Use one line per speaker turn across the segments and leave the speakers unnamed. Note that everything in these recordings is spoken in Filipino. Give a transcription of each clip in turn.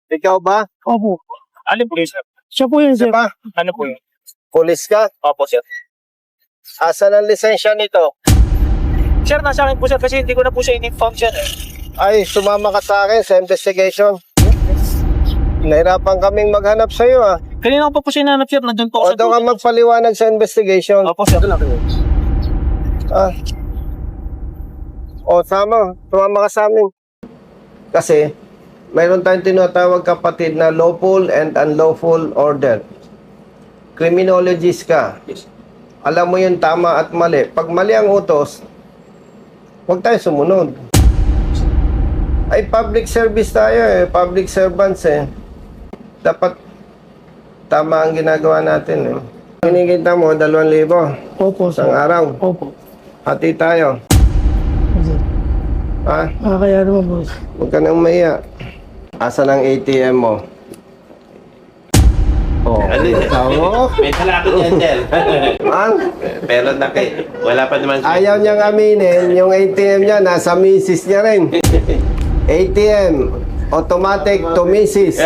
Ikaw ba?
Opo.
Ano po yun, sir?
Siya po yun, sir.
Diba?
Ano po yun?
Pulis ka?
Opo, sir.
Asan ang lisensya nito?
Sir, nasa akin po, sir, kasi hindi ko na po siya in-inform, sir.
Ay, sumama ka sa akin sa investigation. Nahirapan kaming maghanap sa iyo ah.
Kanina ko pa po siya nanap, sir. Nandun po
O
ako
doon ka magpaliwanag sa investigation.
Opo, sir.
Ah. O tama, sumama ka sa amin. Kasi, mayroon tayong tinatawag kapatid na lawful and unlawful order. Criminologist ka. Alam mo yung tama at mali. Pag mali ang utos, huwag tayo sumunod. Ay, public service tayo eh. Public servants eh. Dapat tama ang ginagawa natin eh. Kinikita mo, 2,000
Opo, sir.
isang araw.
Opo.
Hati tayo.
Sir.
Ha?
Kaya naman, boss.
Huwag ka nang maya. Asan ang ATM mo? Oh,
Ano yun?
tao.
May talakot yan, sir.
Ma'am,
Pero wala pa naman, sir.
ayaw niyang aminin, yung ATM niya nasa misis niya rin. ATM, automatic to misis.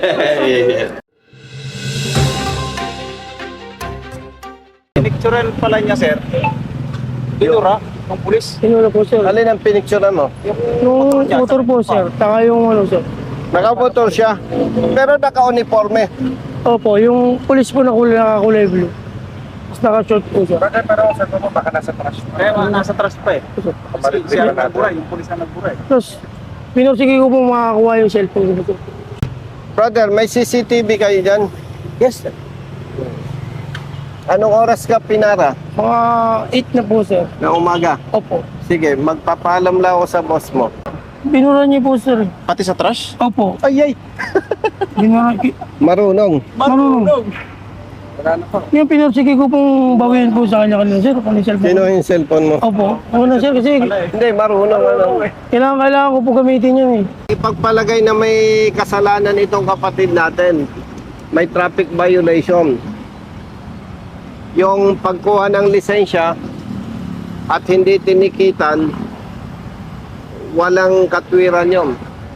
Pinictural pala niya, sir. Pinura ng pulis.
Sinula po, sir.
Alin ang pinicturean mo?
Yung motor po, sir. Taka yung ano, sir.
Nakaputol siya, pero naka-uniforme.
Opo, yung police po nakakulay blue. Tapos naka-short po, sir.
Pero sir, baka nasa trust. Kaya nasa trust pa eh. Kasi siya nagbura, yung pulis na nagbura eh.
Tapos, pinursige ko po makakuha yung cellphone ko.
Brother, may CCTV kayo dyan?
Yes, sir.
Anong oras ka pinara?
Mga 8 na po, sir.
Na umaga.
Opo.
Sige, magpapaalam lang ako sa boss mo.
Binura niyo po, sir.
Pati sa trash?
Opo.
Ay, ay!
Binura.
Marunong.
Marunong. Yung pinursige ko pong bawiin po sa kanya kanina, sir. Kung yung cellphone.
Sino yung cellphone mo?
Opo. Ako na, sir, kasi
Hindi, marunong. Ano.
kailangan ko po gamitin yun, eh.
Ipagpalagay na may kasalanan itong kapatid natin. May traffic violation. Yung pagkuha ng lisensya at hindi tinikitan, walang katwiran yun.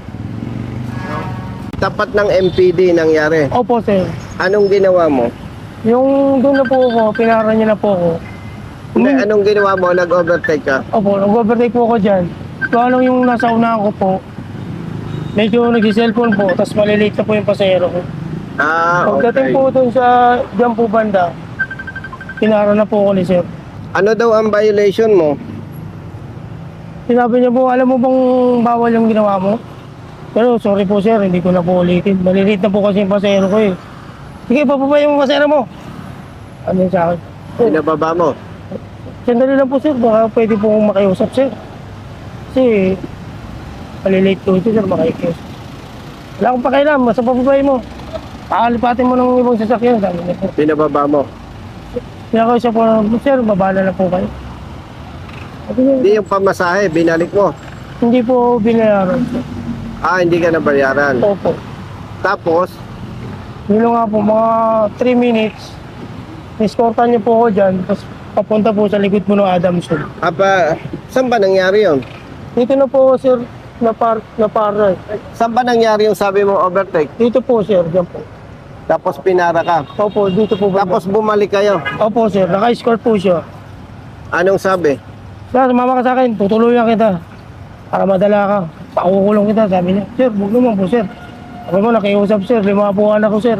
Tapat ng MPD nangyari.
Opo, sir.
Anong ginawa mo?
Yung doon na po ako, pinara niya na po ako.
Hindi, anong ginawa mo? Nag-overtake ka?
Opo, nag-overtake po ako dyan. Kung anong yung nasa unahan ko po, medyo nag-cellphone po, tapos malilate na po yung pasahero ko.
Ah,
Pagdating
okay.
po doon sa dyan po banda, pinara na po ako ni sir.
Ano daw ang violation mo?
Sinabi niya po, alam mo bang bawal yung ginawa mo? Pero sorry po sir, hindi ko na po ulitin. Malilate na po kasi yung pasahero ko eh. Sige, papabay yung pasahero mo. Ano yun sa akin?
Pinababa mo?
Sandali lang po sir, baka pwede po akong makiusap sir. Kasi malilate ko ito sir, makikiusap. Wala akong pakialam, basta papabay mo. Pakalipatin mo ng ibang sasakyan, sabi niya po.
Pinababa mo?
Pinakausap po na, sir, babala na po kayo. Sabi niya,
Hindi yung pamasahe, binalik mo.
hindi po binayaran.
Ah, hindi ka nabayaran.
Opo.
Tapos,
Yun nga po, mga 3 minutes, niskortan niyo po ako dyan, tapos papunta po sa likod po ng Adamson.
saan ba nangyari yun?
Dito na po, sir, na para.
Saan ba nangyari yung sabi mo overtake?
Dito po, sir, dyan po.
Tapos pinara ka.
Opo, dito po. Banda.
Tapos bumalik kayo.
Opo, sir, naka-escort po siya.
Anong sabi?
Sir, sumama ka sa akin, tutuluyan kita. Para madala ka. Pakukulong kita, sabi niya. Sir, huwag naman po, sir. Ako mo, nakiusap, sir. 5 po anak ko, sir.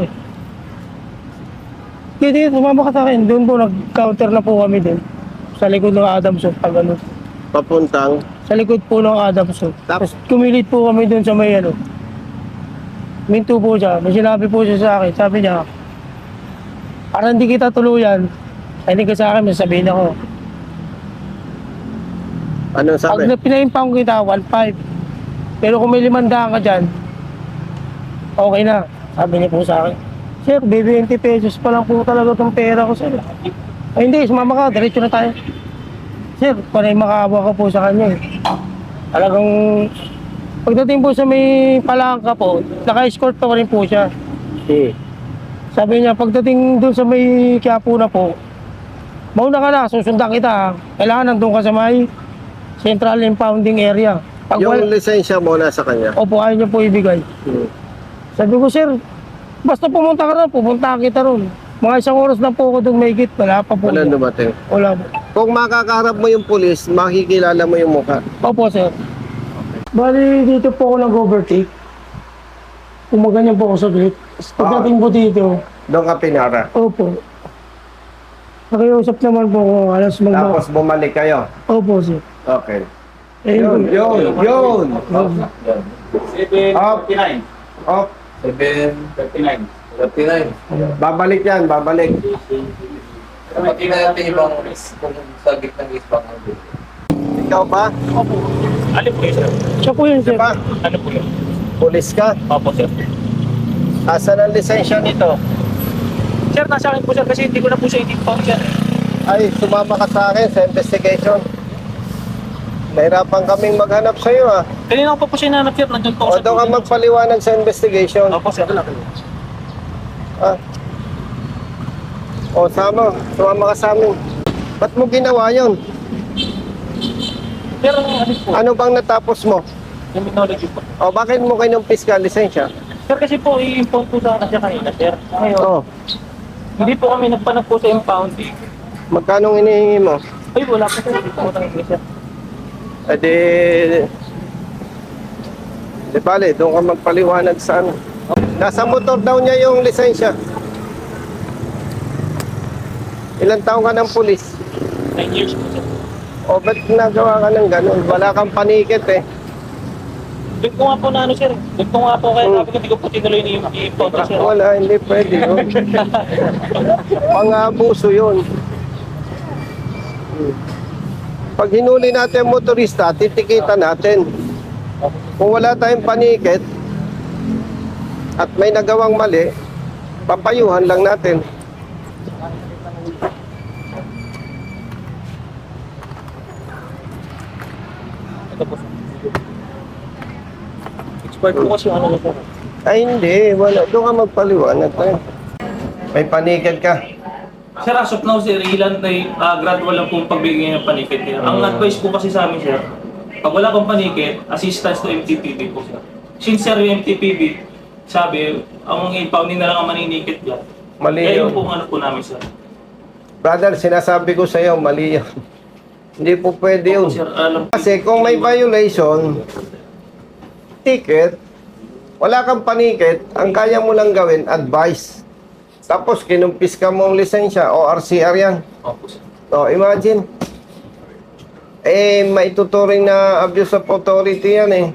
Kaya sumama ka sa akin. Doon po, nag-counter na po kami din. Sa likod ng Adamson, pag ano.
Papuntang.
Sa likod po ng Adamson.
Tapos,
Kumilit po kami doon sa may ano. Minto po siya. May sinabi po siya sa akin. Sabi niya, para hindi kita tuluyan, hindi ka sa akin, may sabihin ako.
anong sabi?
Pag pinaimpang kita, 1.5. Pero kung may 500 ka dyan, okay na. Sabi niya po sa akin, sir, 20 pesos pa lang po talaga itong pera ko, sir. Ay hindi, sumama ka, diretso na tayo. Sir, panay makaawa ka po sa kanya eh. Talagang, pagdating po sa may palangka po, naka-escort pa rin po siya. Sabi niya, pagdating doon sa may Quiapo na po, mauna ka na, susundan kita. Kailangan nandun ka sa may Central Impounding Area. Pag
Yung lisensya mo nasa kanya.
opo, ayaw niya po ibigay. Sabi ko, sir, basta pumunta ka ron, pupunta kita ron. Mga isang oras na po ako doon may git, wala pa po.
Wala dumating.
Wala po.
Kung makakaharap mo yung pulis, makikilala mo yung mukha.
Opo, sir. Bali, dito po ako nag-overtake. Kumaganyan po ako sa gate. Pagdating po dito,
Doon ka pinara.
opo. Nakiusap naman po ako, alas
Tapos bumalik kayo.
Opo, sir.
Okay.
Eh,
Yun. Up.
7:39.
Up.
7:39.
39.
Babalik yan, babalik.
Pati na natin ibang kung sa gitna ng isbang
Ikaw ba?
Opo. Ano po yun, sir?
Siya po yun, sir.
Ba?
Ano po yun?
Pulis ka?
Opo, sir.
Asan ang lisensya nito?
Sir, nasa akin po, sir, kasi hindi ko na po siya i-impound, sir.
Ay, sumama ka sa akin sa investigation. Nahirapan kaming maghanap sa iyo ah.
Kanina ko pa po siya nanap, sir. Nandun po
O doon ka magpaliwanag sa investigation.
Opo, sir.
Ah. O sumama ka sa amin. Ba't mo ginawa yun?
Pero ano po,
Ano bang natapos mo?
criminology po.
O bakit mo kinumpis ka lisensya?
Sir, kasi po, i-impound po sana siya kanina, sir. Ngayon,
O,
hindi po kami nagpanag po sa impounding.
magkano hinihingi mo?
Ay, wala po, sir. Hindi po ako nangyay, sir.
Eh di bale, doon ka magpaliwanag sa ano. Nasa motor daw niya yung lisensya. Ilang taong ka ng pulis?
9 years po, sir.
O ba't nagawa ka ng ganun? Wala kang panikit eh.
Doon ko nga po na ano, sir. Doon ko nga po kaya sabi ko, hindi ko po tinuloy na i-impound, sir.
Wala, hindi pwede yun. Pang-abuso yun. Pag hinuli natin ang motorista, titikita natin. Kung wala tayong panikit at may nagawang mali, papayuhan lang natin.
Ito po, sir. Expired po kasi yung ano, sir.
Ay hindi, wala. Doon ka magpaliwanag tayo. May panikit ka.
Sir, as of now, sir, ilan na gradual lang po pagbigay ng panikit niya. Ang advice po kasi sa amin, sir, pag wala pang panikit, assistance to MTPB po, sir. Since, sir, yung MTPB, sabi, ang impounding na lang ang maninikit dyan.
Mali
Kaya
yun.
yung po ano po namin, sir.
Brother, sinasabi ko sa'yo, mali yun. Hindi po pwede yun.
Opo, sir, alam po.
Kasi kung may violation, ticket, wala kang panikit, ang kaya mo lang gawin, advice. Tapos kinumpis ka mong lisensya o RCR yan.
Opo, sir.
O, imagine. Eh, maituturing na abuse of authority yan eh.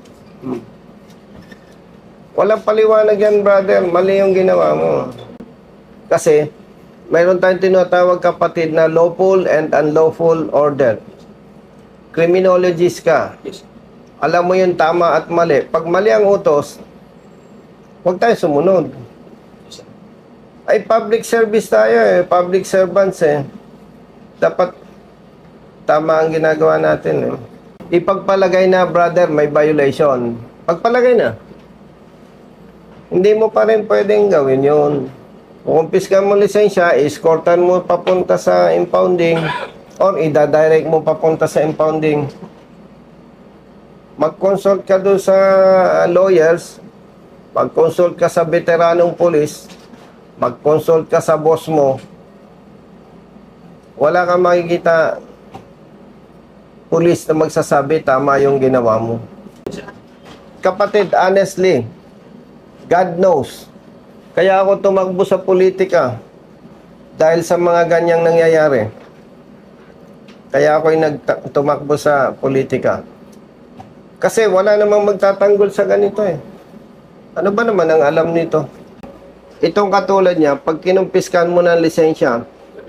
Walang paliwanag yan, brother. Mali yung ginawa mo. Kasi, mayroon tayong tinatawag kapatid na lawful and unlawful order. Criminologist ka.
Yes, sir.
Alam mo yung tama at mali. Pag mali ang utos, huwag tayo sumunod.
Yes, sir.
Ay, public service tayo eh. Public servants eh. Dapat tama ang ginagawa natin eh. Ipagpalagay na, brother, may violation. Pagpalagay na. Hindi mo pa rin pwedeng gawin yun. Kukumpis ka mo lisensya, escortan mo papunta sa impounding or ida-direct mo papunta sa impounding. Mag-consult ka doon sa lawyers, mag-consult ka sa veteranong police, mag-consult ka sa boss mo. Wala kang makikita police na magsasabi tama yung ginawa mo. Kapatid, honestly, God knows. Kaya ako tumakbo sa politika dahil sa mga ganyang nangyayari. Kaya ako'y tumakbo sa politika. Kasi wala namang magtatanggol sa ganito eh. Ano ba naman ang alam nito? Itong katulad niya, pag kinumpiskan mo ng lisensya,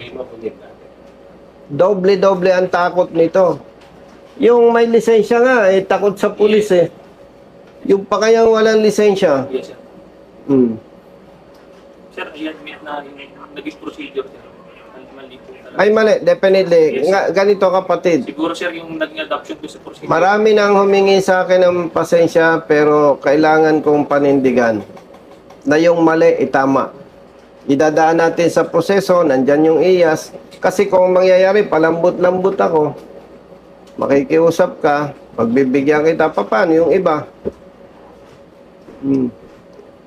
doble-doble ang takot nito. Yung may lisensya nga, eh, takot sa pulis eh. Yung pa kayang walang lisensya.
Yes, sir. Sir, i-admit na yung naging procedure, sir. Mali po talaga.
Ay mali, definitely.
Yes.
Nga, ganito kapatid.
Siguro, sir, yung naging adoption ko sa procedure.
Marami nang humingi sa akin ng pasensya pero kailangan kong panindigan na yung mali itama. Idadaan natin sa proseso, nandyan yung IAS. Kasi kung mangyayari, palambot-lambot ako, makikiusap ka, pagbibigyan kita, paano yung iba?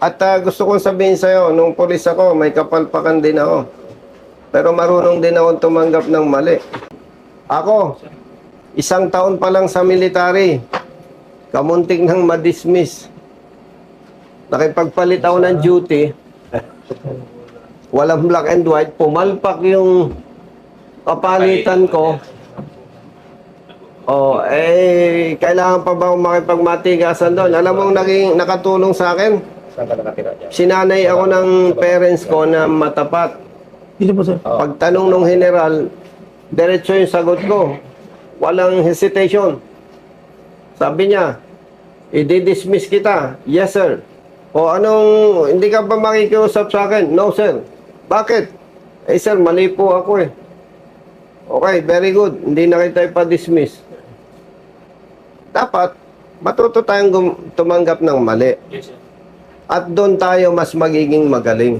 At gusto kong sabihin sa'yo, nung pulis ako, may kapalpakan din ako. Pero marunong din ako tumanggap ng mali. Ako, 1 taon pa lang sa military, kamuntik nang ma-dismiss. Nakipagpalit ako ng duty, walang black and white, pumalpak yung kapalitan ko. Kailangan pa ba akong makipagmatigasan doon? Alam mo, naging nakatulong sa akin? Sinanay ako ng parents ko na matapat.
Dito po, sir.
Pagtanong ng general, diretso yung sagot ko. Walang hesitation. Sabi niya, i-dismiss kita. Yes, sir. O anong, hindi ka ba makikiusap sa akin? No, sir. Bakit? Eh, sir, mali po ako eh. Okay, very good. Hindi na kita ipa-dismiss. Dapat, matuto tayong tumanggap ng mali.
Yes, sir.
At doon tayo mas magiging magaling.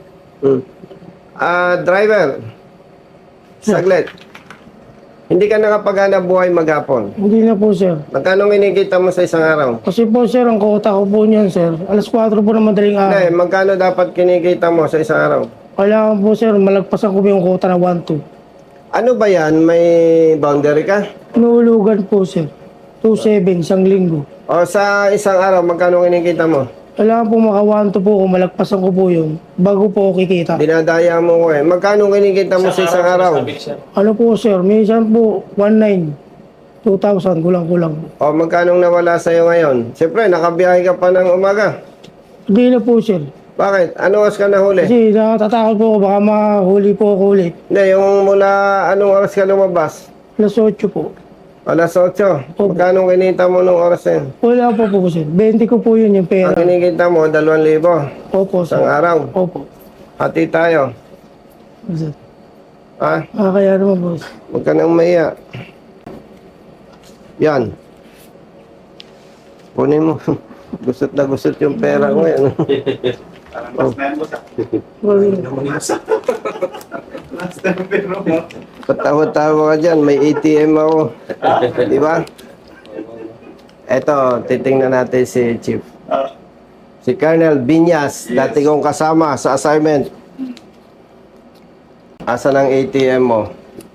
Driver, saglit. Hindi ka nakapaghanap buhay maghapon.
Hindi na po, sir.
Magkano kinikita mo sa isang araw?
Kasi po, sir, ang kota ko po niyan, sir. Alas 4 po na madaling
Hindi,
araw.
magkano dapat kinikita mo sa isang araw?
Kailangan po, sir, malagpasan ko po yung kota na 1-2.
Ano ba yan? May boundary ka?
Inuulugan po, sir. 2-7, isang linggo.
O sa isang araw, magkano kinikita mo?
Kailangan po maka 1-2 po kung malagpasan ko po yun bago po ako kikita.
Dinadaya mo ko eh. Magkano kinikita mo sa isang araw?
Sabi, sir.
Ano po, sir? Minsan po, 1-9. 2,000, kulang-kulang.
O magkano nawala sa'yo ngayon? Siyempre, nakabiyahe ka pa ng umaga.
Hindi na po, sir.
Bakit? Ano oras ka nahuli?
Kasi natatakot po ako, baka mahuli po ako ulit.
Hindi, yung mula anong oras ka lumabas?
Alas 8 po.
Alas 8.
Opo.
Magkano kinita mo nung oras na yun?
Wala po po, sir. 20 ko po yun yung
Ang
pera.
kinikita mo, 2,000.
Opo, sir.
Isang araw.
Opo.
Hati tayo.
Sir.
Ha?
Kaya naman po.
Huwag ka nang maiya. Yan. Kunin mo. Gusot na gusot yung pera ko yan. Patawa-tawa ka dyan. May ATM ako. Di ba? Eto, titingnan natin si Chief. Si Colonel Binyas, dati kong kasama sa assignment. Asan ang ATM mo?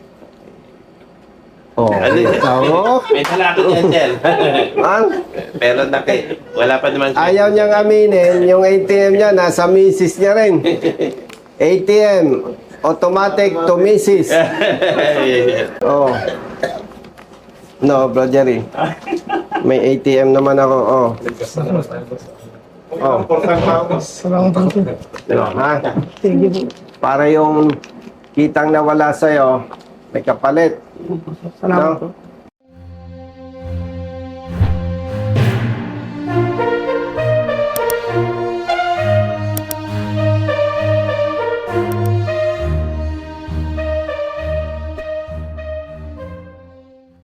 Oh,
Ano yun?
ikaw?
May talakot yan, Angel.
Ang
Pero wala pa naman siya.
ayaw niyang aminin, yung ATM niya, nasa misis niya rin. ATM, automatic to misis. Oh. No, Bro Jerry. May ATM naman ako. Oh. Oh.
Salamat po, sir.
Ha?
Thank you po.
Para yung kitang nawala sa'yo, may kapalit.
Salamat
No?
po.